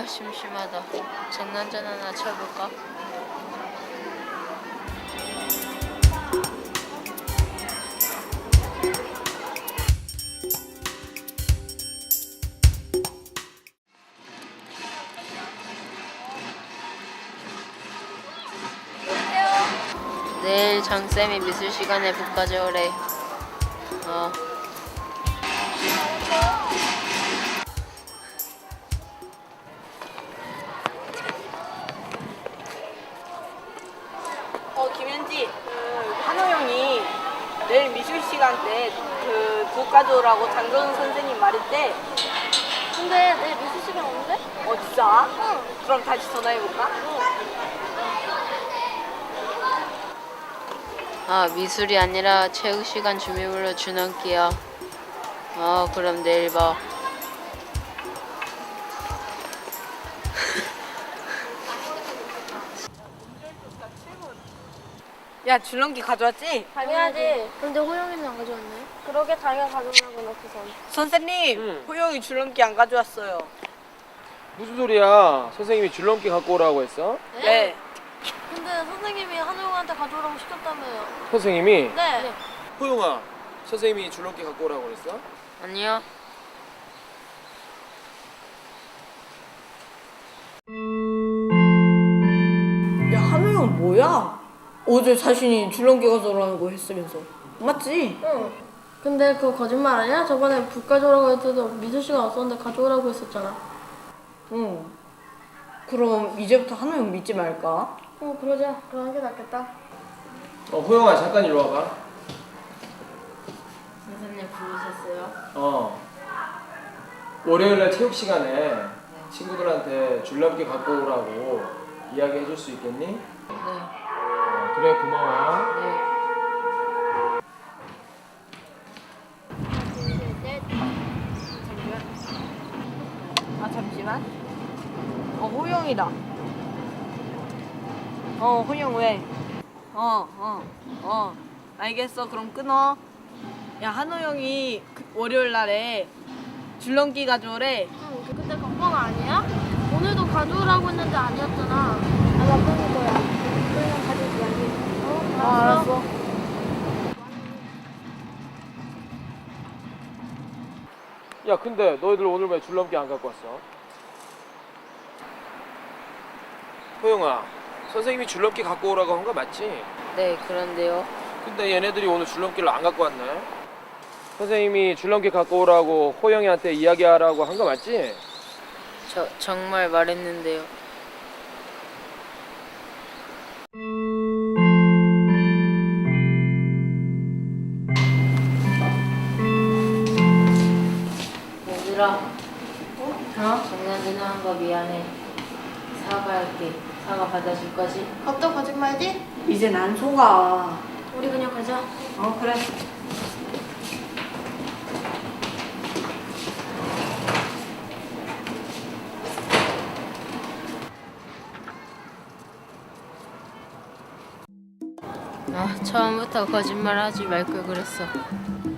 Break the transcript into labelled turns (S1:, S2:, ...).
S1: 아, 심심하다. 장난전 하나 쳐볼까? 내일 장쌤이 미술 시간에 북 가져오래.
S2: 김현지, 한호 형이 내일 미술 시간 때 북 가져오라고 장정은 선생님 말했대.
S3: 근데 내일 미술 시간 없는데?
S2: 진짜?
S3: 응.
S2: 그럼 다시 전화해볼까?
S1: 아, 미술이 아니라 체육 시간 준비물로 줄넘기야. 그럼 내일 봐.
S2: 야, 줄넘기 가져왔지?
S3: 당연하지. 근데 호영이는 안 가져왔네. 그러게 자기가 가져오라고 놓고선.
S2: 선생님, 호영이 줄넘기 안 가져왔어요.
S4: 무슨 소리야? 선생님이 줄넘기 갖고 오라고 했어?
S2: 네.
S3: 근데 선생님이 한호영한테 가져오라고 시켰다며요.
S4: 선생님이?
S3: 네.
S4: 호용아, 선생님이 줄넘기 갖고 오라고 그랬어?
S1: 아니요.
S2: 야, 한호 형 뭐야? 어제 자신이 줄넘기 가져오라고 했으면서. 맞지?
S3: 응. 근데 그거 거짓말 아니야? 저번에 북 가져오라고 할 때도 미술 시간 없었는데 가져오라고 했었잖아.
S2: 응. 그럼 이제부터 한호 형 믿지 말까?
S3: 그러자. 그러는 게 낫겠다.
S4: 호용아, 잠깐 이리 와봐.
S1: 선생님 부르셨어요?
S4: 월요일날 체육 시간에 친구들한테 줄넘기 갖고 오라고 이야기 해줄 수 있겠니?
S1: 네.
S4: 그래, 고마워.
S1: 네.
S2: 잠시만. 호영이다. 호영 왜? 알겠어. 그럼 끊어. 야, 한호 형이 월요일 날에 줄넘기 가져오래.
S3: 응. 근데 그건 아니야? 오늘도 가져오라고 했는데 아니었잖아. 나 바꾸는 거야. 그냥 가져오지 말게.
S2: 알았어.
S4: 야, 근데 너희들 오늘 왜 줄넘기 안 갖고 왔어? 호용아, 선생님이 줄넘기 갖고 오라고 한 거 맞지?
S1: 네, 그런데요.
S4: 근데 얘네들이 오늘 줄넘기를 안 갖고 왔네. 선생님이 줄넘기 갖고 오라고 호영이한테 이야기하라고 한 거 맞지?
S1: 정말 말했는데요. 얘들아. 장난전 한 거 미안해. 사과할게. 사과 받아줄 거지?
S3: 밥도 거짓말이지?
S2: 이제 난 속아.
S3: 우리 그냥 가자.
S2: 그래.
S1: 처음부터 거짓말 하지 말 걸 그랬어.